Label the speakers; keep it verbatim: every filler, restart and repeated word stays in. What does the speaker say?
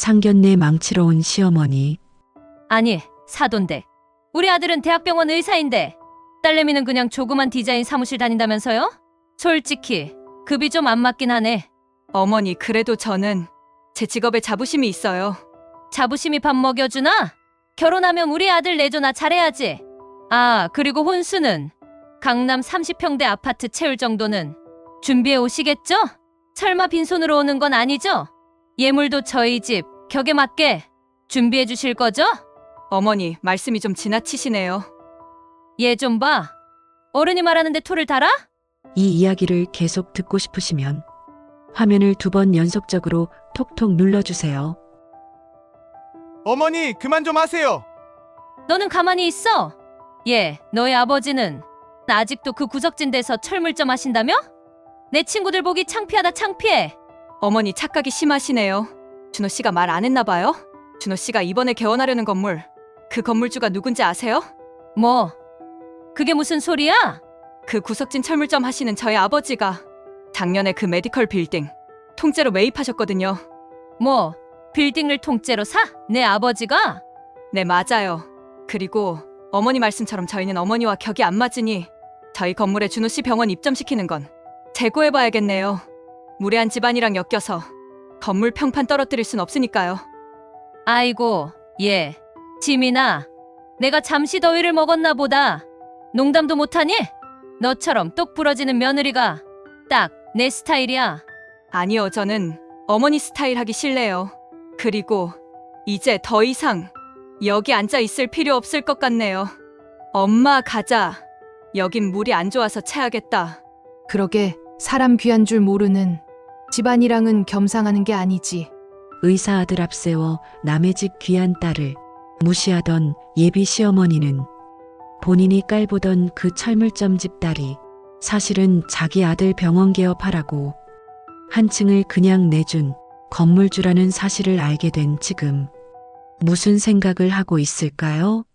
Speaker 1: 상견례 망치러 온 시어머니.
Speaker 2: 아니, 사돈데. 우리 아들은 대학병원 의사인데 딸내미는 그냥 조그만 디자인 사무실 다닌다면서요? 솔직히 급이 좀 안 맞긴 하네.
Speaker 3: 어머니, 그래도 저는 제 직업에 자부심이 있어요.
Speaker 2: 자부심이 밥 먹여주나? 결혼하면 우리 아들 내조나 잘해야지. 아, 그리고 혼수는 강남 삼십 평대 아파트 채울 정도는 준비해 오시겠죠? 설마 빈손으로 오는 건 아니죠? 예물도 저희 집 격에 맞게 준비해 주실 거죠?
Speaker 3: 어머니, 말씀이 좀 지나치시네요.
Speaker 2: 얘 좀 봐. 어른이 말하는데 토를 달아?
Speaker 1: 이 이야기를 계속 듣고 싶으시면 화면을 두 번 연속적으로 톡톡 눌러주세요.
Speaker 4: 어머니, 그만 좀 하세요.
Speaker 2: 너는 가만히 있어. 얘, 너의 아버지는 아직도 그 구석진 데서 철물점 하신다며? 내 친구들 보기 창피하다 창피해.
Speaker 3: 어머니, 착각이 심하시네요. 준호 씨가 말 안 했나 봐요? 준호 씨가 이번에 개원하려는 건물, 그 건물주가 누군지 아세요?
Speaker 2: 뭐? 그게 무슨 소리야?
Speaker 3: 그 구석진 철물점 하시는 저희 아버지가 작년에 그 메디컬 빌딩 통째로 매입하셨거든요.
Speaker 2: 뭐? 빌딩을 통째로 사? 내 아버지가?
Speaker 3: 네, 맞아요. 그리고 어머니 말씀처럼 저희는 어머니와 격이 안 맞으니 저희 건물에 준호 씨 병원 입점시키는 건 재고해봐야겠네요. 무례한 집안이랑 엮여서 건물 평판 떨어뜨릴 순 없으니까요.
Speaker 2: 아이고, 얘. 지민아, 내가 잠시 더위를 먹었나 보다. 농담도 못하니? 너처럼 똑 부러지는 며느리가 딱 내 스타일이야.
Speaker 3: 아니요, 저는 어머니 스타일 하기 싫네요. 그리고 이제 더 이상 여기 앉아 있을 필요 없을 것 같네요. 엄마, 가자. 여긴 물이 안 좋아서 체하겠다.
Speaker 5: 그러게 사람 귀한 줄 모르는 집안이랑은 겸상하는 게 아니지.
Speaker 1: 의사 아들 앞세워 남의 집 귀한 딸을 무시하던 예비 시어머니는 본인이 깔보던 그 철물점 집 딸이 사실은 자기 아들 병원 개업하라고 한 층을 그냥 내준 건물주라는 사실을 알게 된 지금 무슨 생각을 하고 있을까요?